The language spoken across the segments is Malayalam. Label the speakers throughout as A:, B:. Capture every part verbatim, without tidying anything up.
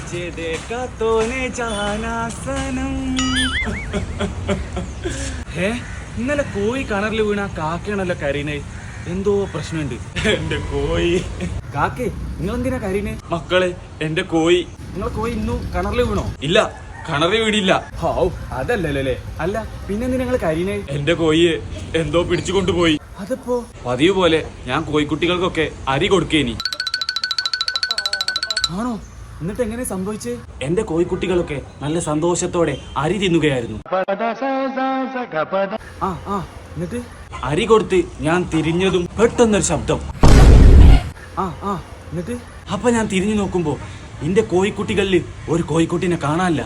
A: तुझे देखा तो ने जाना सनम. ഹേ ഇന്നലെ കോഴി കിണറിൽ വീണ കാക്കയാണല്ലോ കരീനെ. എന്തോ പ്രശ്നമുണ്ട്. എന്റെ കോഴി. കാക്കേ നിങ്ങൾ എന്തിനാ കരീനെ? മക്കളെ എന്റെ കോഴി. നിങ്ങളെ കോഴി ഇന്നു കിണറിൽ വീണോ? ഇല്ല, കിണറിൽ വീടില്ല. ഹൗ അതല്ലല്ലേ. അല്ല പിന്നെ നിങ്ങൾ കരീനെ? എന്റെ കോഴിയെ എന്തോ പിടിച്ചു കൊണ്ടുപോയി. അതിപ്പോ പതിവ് പോലെ ഞാൻ കോഴിക്കുട്ടികൾക്കൊക്കെ അരി കൊടുക്കേനി. ആണോ? എന്നിട്ട് എങ്ങനെ സംഭവിച്ചേ? എന്റെ കോഴിക്കുട്ടികളൊക്കെ നല്ല സന്തോഷത്തോടെ അരി തിന്നുകയായിരുന്നു. ആ ആ എന്നിട്ട് അരി കൊടുത്ത് ഞാൻ തിരിഞ്ഞതും പെട്ടെന്നൊരു ശബ്ദം. ആ ആ എന്നിട്ട് അപ്പൊ ഞാൻ തിരിഞ്ഞു നോക്കുമ്പോ എന്റെ കോഴിക്കുട്ടികളിൽ ഒരു കോഴിക്കുട്ടിനെ കാണാനില്ല.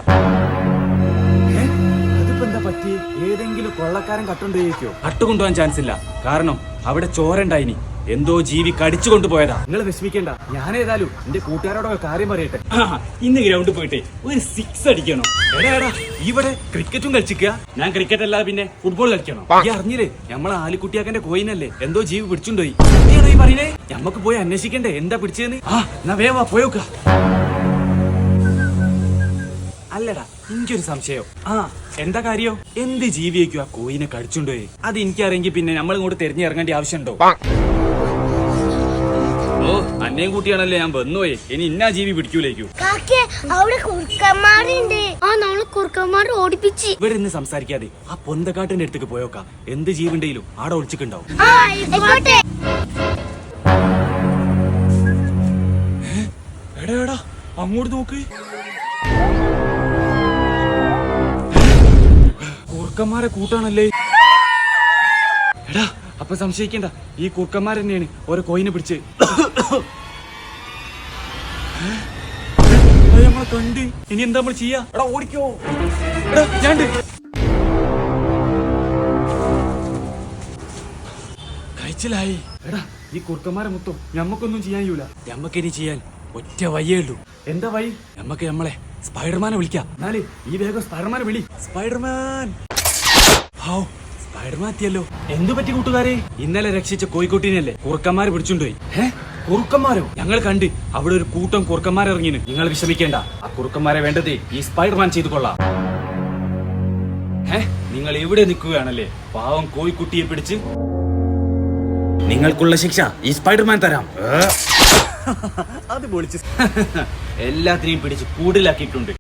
A: അതിപ്പോ എന്താ പറ്റി? ഏതെങ്കിലും കൊള്ളക്കാരൻ കട്ടുകൊണ്ടേക്കോ? കട്ടുകൊണ്ടുപോകാൻ ചാൻസ് ഇല്ല, കാരണം അവിടെ ചോരണ്ടായിനി. എന്തോ ജീവി കടിച്ചു കൊണ്ടുപോയതാ. നിങ്ങൾ വിഷമിക്കേണ്ട, ഞാൻ ഏതായാലും എന്റെ കൂട്ടുകാരോടൊക്കെ കാര്യം പറയട്ടെ. ഇന്ന് ഗ്രൗണ്ടിൽ പോയിട്ട് ഒരു സിക്സ് അടിക്കണം. എടാ എടാ ഇവിടെ ക്രിക്കറ്റും കളിച്ചിക്കുക. ഞാൻ ക്രിക്കറ്റ് അല്ലാതെ പിന്നെ ഫുട്ബോൾ കളിക്കണം. ഈ അറിഞ്ഞില്ലേ നമ്മളെ ആലിക്കുട്ടിയാക്കന്റെ കോയിനല്ലേ എന്തോ ജീവി പിടിച്ചുണ്ടോയി. സത്യാണോ ഈ പറയുന്നേ? ഞമ്മക്ക് പോയി അന്വേഷിക്കണ്ടേ എന്താ പിടിച്ചതെന്ന്? ആ എന്നാ വേവാ പോയോക്ക. അല്ലടാ എനിക്കൊരു സംശയം. ആ എന്താ കാര്യോ? എന്ത് ജീവിയേക്കും ആ കോയിനെ കടിച്ചുണ്ടോയി? അത് എനിക്കറിയെങ്കിൽ പിന്നെ നമ്മൾ ഇങ്ങോട്ട് തെരഞ്ഞിറങ്ങേണ്ട ആവശ്യമുണ്ടോ? ഓ അന്നേം കൂട്ടിയാണല്ലേ ഞാൻ വന്നുപോയി. ഇനി ഇന്നാ ജീവി പിടിക്കൂലേക്കു. ഇവിടെ ഇന്ന് സംസാരിക്കാതെ ആ പൊന്തക്കാട്ടിന്റെ അടുത്തേക്ക് പോയോക്കാം. എന്ത് ജീവിണ്ടെങ്കിലും ആടെ ഒളിച്ചിട്ടുണ്ടാവും. എടാ എടാ അങ്ങോട്ട് നോക്ക്. കുറുക്കന്മാരെ കൂട്ടാണല്ലേ. എടാ അപ്പൊ സംശയിക്കണ്ട, ഈ കുറുക്കന്മാർ തന്നെയാണ് ഓരോ കോയിനെ പിടിച്ച് നമ്മളെ കണ്ട്. ഇനി എന്താ നമ്മൾ ചെയ്യാ? എടാ ഓടിക്കോ. എടാ ഞാൻ കഴിച്ചിലായി. എടാ ഈ കുറുക്കന്മാരെ മൊത്തം ഞമ്മക്കൊന്നും ചെയ്യാൻ കഴിയൂല. ഞമ്മക്കിനി ചെയ്യാൻ ഒറ്റ വയ്യേ ഉള്ളൂ. എന്താ വഴി? ഞമ്മക്ക് നമ്മളെ സ്പൈഡർമാനെ വിളിക്കാം. എന്നാല് ഈ വേഗം സ്പൈഡർമാനെ വിളി. സ്പൈഡർമാൻ. ഹൗ സ്പൈഡർമാൻ എത്തിയല്ലോ. എന്തു പറ്റി കൂട്ടുകാരെ? ഇന്നലെ രക്ഷിച്ച കോഴിക്കോട്ടിനല്ലേ കുറുക്കന്മാര് പിടിച്ചുകൊണ്ടുപോയി. ഏ കുറുക്കന്മാരോ? ഞങ്ങൾ കണ്ട് അവിടെ ഒരു കൂട്ടം കുറുക്കന്മാർ ഇറങ്ങിന്. നിങ്ങൾ വിഷമിക്കേണ്ട, ആ കുറുക്കന്മാരെ വേണ്ടത് ഈ സ്പൈഡർമാൻ ചെയ്തു കൊള്ളാം. ഏ നിങ്ങൾ എവിടെ നിൽക്കുകയാണല്ലേ? പാവം കോഴിക്കുട്ടിയെ പിടിച്ച് നിങ്ങൾക്കുള്ള ശിക്ഷ ഈ സ്പൈഡർമാൻ തരാം. അത് പൊളിച്ച് എല്ലാത്തിനെയും പിടിച്ച് കൂടിലാക്കിയിട്ടുണ്ട്.